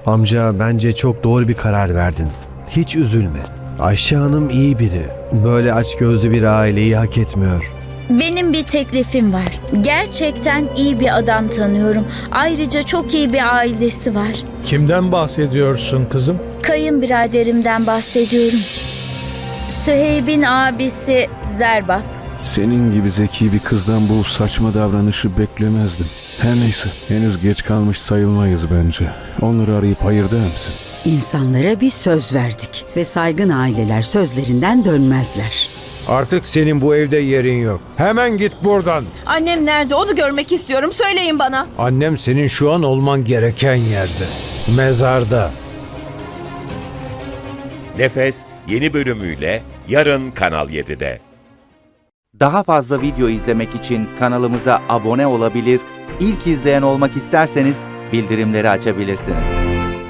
Amca, bence çok doğru bir karar verdin. Hiç üzülme. Ayşe Hanım iyi biri. Böyle açgözlü bir aileyi hak etmiyor. Benim bir teklifim var. Gerçekten iyi bir adam tanıyorum. Ayrıca çok iyi bir ailesi var. Kimden bahsediyorsun kızım? Kayınbiraderimden bahsediyorum. Süheyb'in abisi Zerbap. Senin gibi zeki bir kızdan bu saçma davranışı beklemezdim. Her neyse, henüz geç kalmış sayılmayız bence. Onları arayıp hayır der misin? İnsanlara bir söz verdik ve saygın aileler sözlerinden dönmezler. Artık senin bu evde yerin yok. Hemen git buradan. Annem nerede? Onu görmek istiyorum. Söyleyin bana. Annem senin şu an olman gereken yerde. Mezarda. Nefes yeni bölümüyle yarın Kanal 7'de. Daha fazla video izlemek için kanalımıza abone olabilir, ilk izleyen olmak isterseniz bildirimleri açabilirsiniz.